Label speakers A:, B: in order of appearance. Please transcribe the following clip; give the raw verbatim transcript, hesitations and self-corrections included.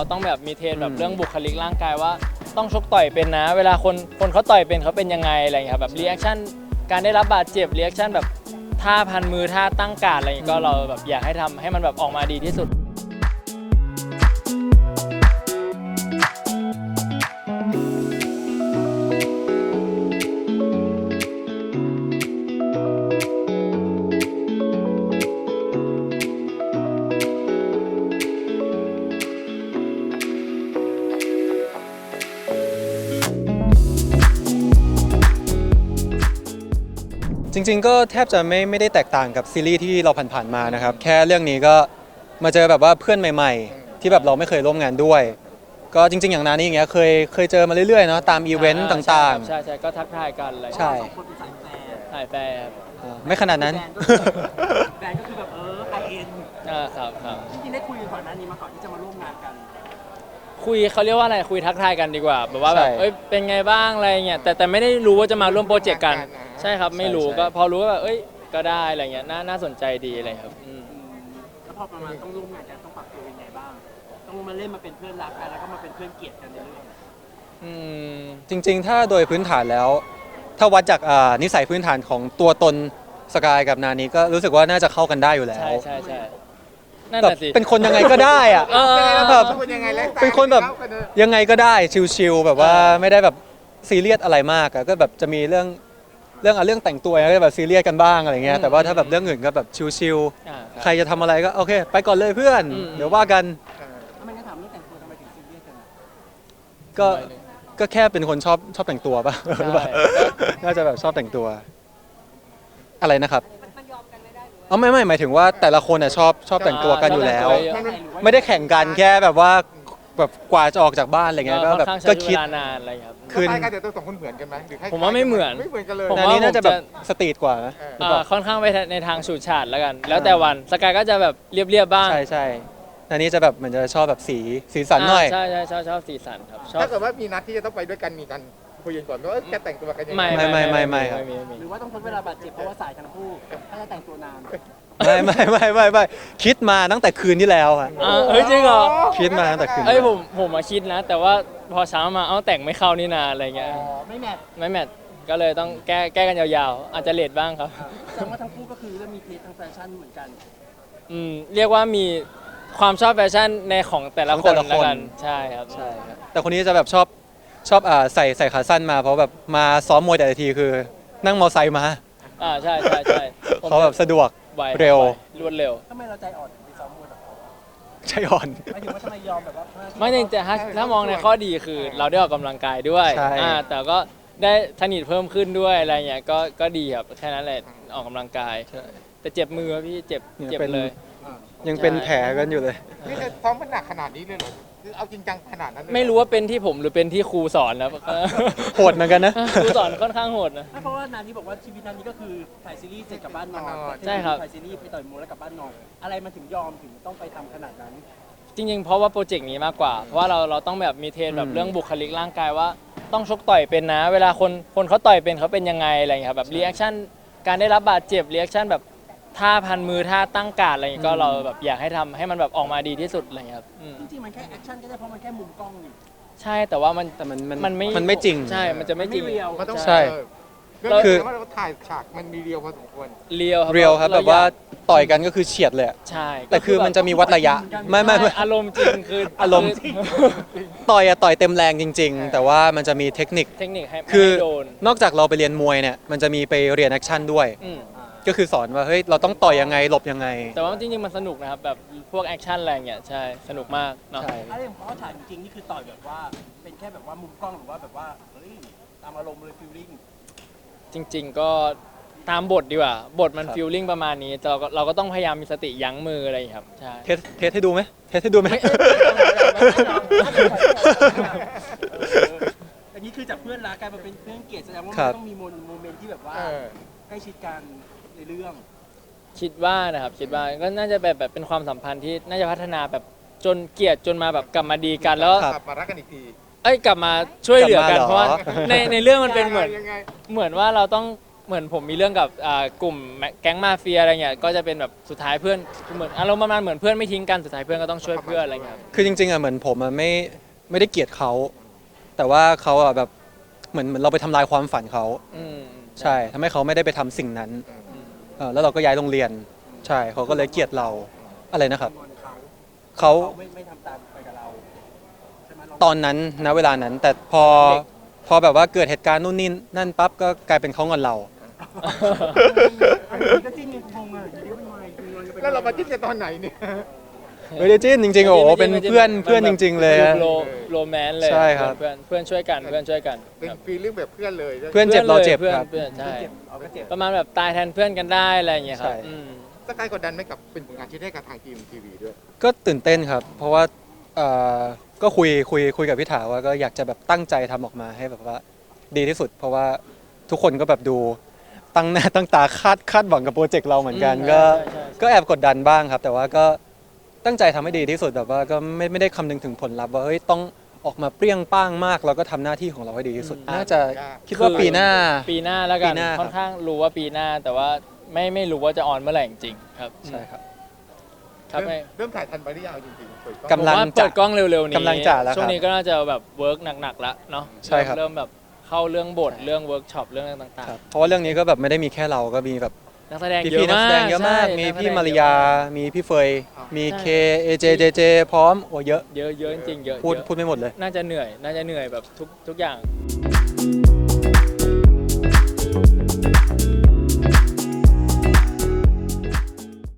A: เราต้องแบบมีเทรนแบบเรื่องบุคลิกร่างกายว่าต้องชกต่อยเป็นนะเวลาคนคนเขาต่อยเป็นเขาเป็นยังไงอะไรอย่างเงี้ยแบบรีแอคชั่นการได้รับบาดเจ็บรีแอคชั่นแบบท่าพันมือท่าตั้งการอะไรอย่างเงี้ยก็เราแบบอยากให้ทำให้มันแบบออกมาดีที่สุด
B: จริงๆก็แทบจะไม่ไม่ได้แตกต่างกับซีรีส์ที่เราผ่านๆมานะครับแค่เรื่องนี้ก็มาเจอแบบว่าเพื่อนใหม่ๆที่แบบเราไม่เคยร่วมงานด้วยก็จริงๆอย่างนั้นนี่อย่างเงี้ยเคยเคยเจอมาเรื่อยๆเนาะตามอีเวนต์ต่างๆ
A: ใช่ใช่ก็ทักทายกันอะไร
B: ใช่
A: ถ่ายแฟร์ครับ
B: อ่าไม่ขนาดนั้น
C: แบรนด์ก็คือแบบเออไฮเอ็น
A: อ่าครับครับ
C: จริงๆได้คุยกันก่อนหน้านี้มาก่อนที่จะมาร่วมงานกัน
A: คุยเขาเรียกว่าอะไรคุยทักทายกันดีกว่าแบบว่าแบบ
B: ใช่
A: เอ้ยเป็นไงบ้างอะไรเงี้ยแต่แต่ไม่ได้รู้ว่าจะมาร่วมโปรเจกต์กันใช่ครับไม่รู้
B: ใช่
A: ก็พอรู้ว่าแบบเอ้ยก็ได้อะไรเงี้ยน่าน่าสนใจดีอะไรครับอืม
C: แล้วพอประมาณต้องร่วมงานกันต้องปรับตัวยังไงบ้าง ต้องมาเล่นมาเป็นเพื่อนรักกันแล้วก็มาเป็นเพื่อนเกลียดกันในเรื่อง
A: อืม
B: จริงๆ ถ้าโดยพื้นฐานแล้ว ถ้าวัดจากอ่านิสัยพื้นฐานของตัวตนสกายกับนานี้ก็รู้สึกว่าน่าจะเข้ากันได้อยู่แล้ว
A: ใช่ใช่ใช่นั่น
B: แบบ
A: แหละสิ
B: เป็นคนยังไงก็ได้อะ
A: เออ
B: แบบเป็นคนแบบยังไงก็ได้ชิลๆแบบว่า
A: เออ
B: ไม่ได้แบบซีเรียสอะไรมากอะก็แบบจะมีเรื่องเรื่องอะเรื่องแต่งตัวก็แบบซีเรียสกันบ้างอะไรเงี้ยแต่ว่าถ้าแบบเรื่องอื่นก็แบบชิล
A: อ่า
B: ๆใครจะทำอะไรก็โอเคไปก่อนเลยเพื่อน
A: อืม
B: เดี๋ยวว่ากัน
C: ถ้าไม่งั้นถามเรื่องแต่งตัวทำไมถึงซีเรียสกันอะ
B: ก็ก็แค่เป็นคนชอบชอบแต่งตัวป่ะ
A: ใช่
B: หรือเปล่าน่าจะแบบชอบแต่งตัว อะไรนะครับอ๋อไม่ไม่หมายถึงว่าแต่ละคนอ่ะชอบชอบแต่งตัวกันอยู่แล้ว
A: ชอบแต่งตัวเยอะ
B: ไม่ได้แข่งกันแค่แบบว่าแบบกว่าจะออกจากบ้านอะไรเงี้ยก็
A: ค่อน
B: แบบ
A: ข้างใช้
B: ก็
A: เว
B: คิด
A: ลานานอะไรครับ
B: ขึ้น
D: สไตล์การแต่งตัวสองคนเหมือนกันไหมหรือคล้ยๆ
A: ผมว่าไม่เหมือน
D: ไม่เหมือนกันเลย
A: ผม
B: อัน
A: ว่า
B: นี้น่าจะแบบ
A: ผมจะ
B: สตรีทกว่านะ
D: เออ
B: หรือเป
A: อ่า
B: ล่า
A: ค่อนข้างไปในทางฉูดฉาดแล้วกัน แล้วแต่วันสกายก็จะแบบเรียบๆบ้าง
B: ใช่ใช่อันนี้จะแบบเหมือนจะชอบแบบสีสีสันหน่อย
A: าใช่ใช่ชอบชอบสีสันครับชอบ
D: ถ้าเกิดว่ามีนัดที่จะต้องไปด้วยกันมีกันคุยกันก่อนว่าเอ้ยจะแต่งตัวกันยังไง
A: ไม่
B: ไม่ไม่ไม่ครับ
A: ไม่มี
C: หรือว่าต้องทนเวลาบาดเจ็บเพราะว่าสายทั้งคู่ถ้าจะแต่งตัวนาน
B: ไม่ไม่ไม่ไม่ไม่คิดมาตั้งแต่คืนที่แล้วอะ
A: อ่าเฮ้ยจริงเหรอ
B: คิดมาตั้งแต่คืน
A: เอ้ยผมผมมาคิดนะ แต่ว่าพอเช้ามาเอ้าแต่งไม่เข้านี่นาอะไรเงี้ย
C: อ๋อ ไม่แมท
A: ไม่แมทก็เลยต้องแก้แก้กันยาวๆ อาจจะเลทบ้างครับ
C: แสดงว่าทั้งคู่ก็คือเริ่มมีเทสทางแฟชั่นเหมือนกัน
A: อืมเรียกว่ามีความชอบแฟชั่นในของแต่ละ
B: ของ
A: ค
B: แต่
A: น
B: ละคน
A: แล้วกันใช่ครับ
B: ใช่ครับแต่คนนี้จะแบบชอบชอบอ่าใส่ใส่ขาสั้นมาเพราะแบบมาซ้อมมวยแต่ละทีคือ นั่งมอไซค์มา
A: อ่าใช่ใช่ใช่ผม
B: เขาแบบสะดวก
A: ไว
B: เร็ว
A: ไรวดเร็ว
C: ทำไมเราใจอ่อนถึงไปซ้อมมวยกับเขา
B: ใช่อ่อน
C: หมายถึงว่าทำไมยอมแบบว่า
A: ไม่จริงแต่ถ้าถ้ามองในข้อดีคือเราได้ออกกำลังกายด้วย
B: ใช่
A: อ่าแต่ก็ได้สนิทเพิ่มขึ้นด้วยอะไรเงี้ยก็ก็ดีครับแค่นั้นแหละออกกำลังกาย แต่เจ็บมือพี่เจ็บ
B: เนี่ย
A: เจ็บ
B: เป็น
A: เลย
B: ยังเป็นแผลกันอยู่เลย
D: นี่คือซ้อมมันหนักขนาดนี้เลยเหรอคือเอาจริงจังขนาดนั้นเลยเหอ
A: ไม่รู้ว่าเป็นที่ผมหรือเป็นที่ครูสอนนะ
B: โหดเหมือนกันนะ
A: ครูสอนค่อนข้างโหดนะ
C: ไม่เพราะว่านานนี้บอกว่าชีวิตนานนี้ก็คือถ่ายซีรีส์เสร็จกลับบ้านนอน
A: ใช่ครับ
C: ถ่ายซีรีส์ไปต่อยมวยแล้วกลับบ้านนอน อะไรมันถึงยอมถึงต้องไปทำขนาดนั้น
A: จริงๆ เพราะว่าโปรเจกต์นี้มากกว่า เพราะว่าเราเราต้องแบบมีเทรนแบบ
B: อืม
A: เรื่องบุคลิกร่างกายว่าต้องชกต่อยเป็นนะ เวลาคนคนเขาต่อยเป็นเขาเป็นยังไงอะไรอย่างเงี้ยครับแบบรีแอคชั่นการได้รับบาดเจ็บรีแอคชั่นแบบท่าพันมือท่าตั้งการอะไรอย่างเงี้ยก็เราแบบอยากให้ทำให้มันแบบออกมาดีที่สุดอะไรอย่างเงี้ยครับอืม
C: จริงๆมันแค่แอคชั่นก็ได้เพราะมันแค่มุมกล้องนี่
A: ใช่แต่ว่ามัน
B: แต่มันมัน
A: มันไม่
B: มันไม่จริง
A: ใช่มันจะไม่จริง
C: มันไม่เรียว
D: มันต้อง
B: ใช่
D: เออเรื่อง
B: คือ
D: นี้ว่าเราถ่ายฉากมันมีเรียวพอสมควร
A: เรียวครับ
B: เรียวครับ
A: เ
B: แบบว่าต่อยกันก็คือเฉียดเลยอะ
A: ใช่
B: แต่คือมันจะมีวัดระยะ ไม่ไม่ไม่
A: อารมณ์จริงคือ
B: อารมณ์ ต่อยอะต่อยเต็มแรงจริง ๆ แต่ว่ามันจะมีเทคนิค
A: เทคนิคให้ไม่
B: คือ
A: ให้โดน
B: นอกจากเราไปเรียนมวยเนี่ยมันจะมีไปเรียนแอคชั่นด้วย
A: อืม
B: ก็คือสอนว่าเฮ้ยเราต้องต่อยยังไงหลบยังไง
A: แต่ว่าจริงๆมันสนุกนะครับแบบพวกแอคชั่นอะไรอย่างเงี้ยใช่สนุกมากเนาะ
B: ใช่
C: อะไรของเขาถ่ายจริงๆนี่คือต่อยแบบว่า เป็นแค่แบบว่ามุมกล้องหรือว่าแบบว่าเฮ้ยตามอารมณ์เลยฟีลลิ่ง
A: จริง ๆ ก็ตามบทดีกว่า บทมัน
B: ครับ
A: ฟีลลิ่งประมาณนี้แต่เราก็เราก็ต้องพยายามมีสติยั้งมืออะไรอย่างเงี้ยครับใช่
B: เทสเทสให้ดูไหมเทสให้ดูไหม
C: อันนี้คือจากเพื่อนรักกลายมาเป็นเพื่อนเกลียดแสดงว่า
B: ครั
C: มัน
B: บ
C: ต้องมีโมโมเมนต์ที่แบบว่า
D: เออ
C: ใกล้ชิดกันในเรื่อง
A: คิดว่านะครับคิดว่าก็น่าจะแบบแบบเป็นความสัมพันธ์ที่น่าจะพัฒนาแบบจนเกลียดจนมาแบบกลับมาดีกันแล้ว
B: ครับ
D: กลับมารักกันอีกที
A: เอ้ยกลับมาช่วยเหลือกัน
B: กลับมาเหรอ
A: เพราะว่าในในเรื่องมันเป็นเหมือน
D: ยังไง
A: เหมือนว่าเราต้องเหมือนผมมีเรื่องกับอ่ากลุ่มแก๊งมาเฟียอะไรเงี้ยก็จะเป็นแบบสุดท้ายเพื่อนเหมือนอารมณ์ประมาณเหมือนเพื่อนไม่ทิ้งกันสุดท้ายเพื่อนก็ต้องช่วยเพื่อนอะไรเงี้ยครับ
B: คือจริงๆอ่ะเหมือนผมอ่ะไม่ไม่ได้เกลียดเขาแต่ว่าเขาอ่ะแบบเหมือนเหมือนเราไปทำลายความฝันเขา
A: อืม
B: ใช่ทำให้เขาไม่ได้ไปทำสิ่งนั้น
A: อืม
B: เออแล้วเราก็ย้ายโรงเรียนใช่เขาก็เลยเกลียดเราอะไรนะครับ
C: งอนเขา
B: เขา
C: เขาไม่ไม่ทำตามไปกับเราใช่ไหมลอง
B: ตอนนั้นณเวลานั้น แต่พอพอแบบว่าเกิดเหตุการณ์นู่นนี่นั่นปั๊บก็กลายเป็นเขางอนเรา
C: อันนี้ก็จิ้นยังงงอ่ะอยู่ดีมันมาอยู่งอนกันไป
D: แล้วเรามาคิดกันตอนไหนเนี่ย
B: ไม่ได้จิ้นจริงๆโอ้โหเป็นเพื่อนเพื่อนจริง ๆ เลยฮะ
A: โรโรแมนต์เลย
B: ใช่ครับ
A: เพื่อนเพื่อนช่วยกันเพื่อนช่วยกัน
D: เป็น
A: ครับ
D: ฟีลลิ่งแบบเพื่อนเลย
B: เพื่อนเจ็บเราเจ็บ
A: พื่อน
B: ครับ
A: เพื่อนใช่
C: เจ็บเอาก็เจ็บ
A: ประมาณแบบตายแทนเพื่อนกันได้อะไรอย่างเงี้ยครับ
B: ใช่
A: อืม
D: สกายกดดันไหมกับเป็นผลงานที่ได้กับทางทีมทีวีด้วย
B: ก็ตื่นเต้นครับ เพราะว่าเอ่อก็คุยคุยคุยกับพี่ถาว่าก็อยากจะแบบตั้งใจทำออกมาให้แบบว่าดีที่สุด เพราะว่าทุกคนก็แบบดูตั้งหน้าตั้งตาคาดคาดหวังกับโปรเจกต์เราเหมือนกัน
A: อืม
B: ก็
A: ใช่ใช่ใช่
B: ก็แอบกดดันบ้างครับ แต่ว่าก็ตั้งใจทำให้ดีที่สุดแบบว่าก็ไม่ไม่ได้คำนึงถึงผลลัพธ์ว่าเฮ้ยต้องออกมาเปรี้ยงป้างมากเราก็ทำหน้าที่ของเราให้ดีที่สุด น่าจะคิดว่าปีหน้า
A: ปีหน้าแล้วกั
B: ปี
A: น
B: หน้าครับ
A: ค่อนข้างรู้ว่าปีหน้า แต่ว่าไม่ไม่รู้ว่าจะออนเมื่อไหร่จริงๆครับ
B: ใช่ครับ
A: ครับ
D: เริ่ม
A: ไม่
D: เริ่มถ่ายทันไปหรือยังจริงๆเปิด
B: กำลัง
A: ผมว่าเปิดกล้องเร็วๆนี้
B: กำลังจะแล้วครับ
A: ช่วงนี้ก็น่าจะแบบเวิร์กหนักๆแล้วเนาะ
B: ใช่ครับ
A: เริ่มแบบเข้าเรื่องบทเรื่องเวิร์กช็อปเรื่องต่าง
B: ครับเพราะว่าเรื่องนี้ก็แบบไม่ได้มีแค่เราก็มีแบบ
A: ๆนักแสดง
B: พี่
A: เย
B: พี่
A: อะ
B: นัก
A: มา
B: แส
A: ก
B: ดงเยอะมาก
A: ใช่
B: มี
A: นักแสดง
B: พี่มาริยา มีพี่เฟย มีเค เอเจ เจเจ พร้อม โอ้เยอะ
A: เยอะเยอะจริงๆเยอะ
B: พูด
A: เยอะ
B: พูดไม่หมดเลย
A: น่าจะเหนื่อย น่าจะเหนื่อยแบบทุกทุกอย่าง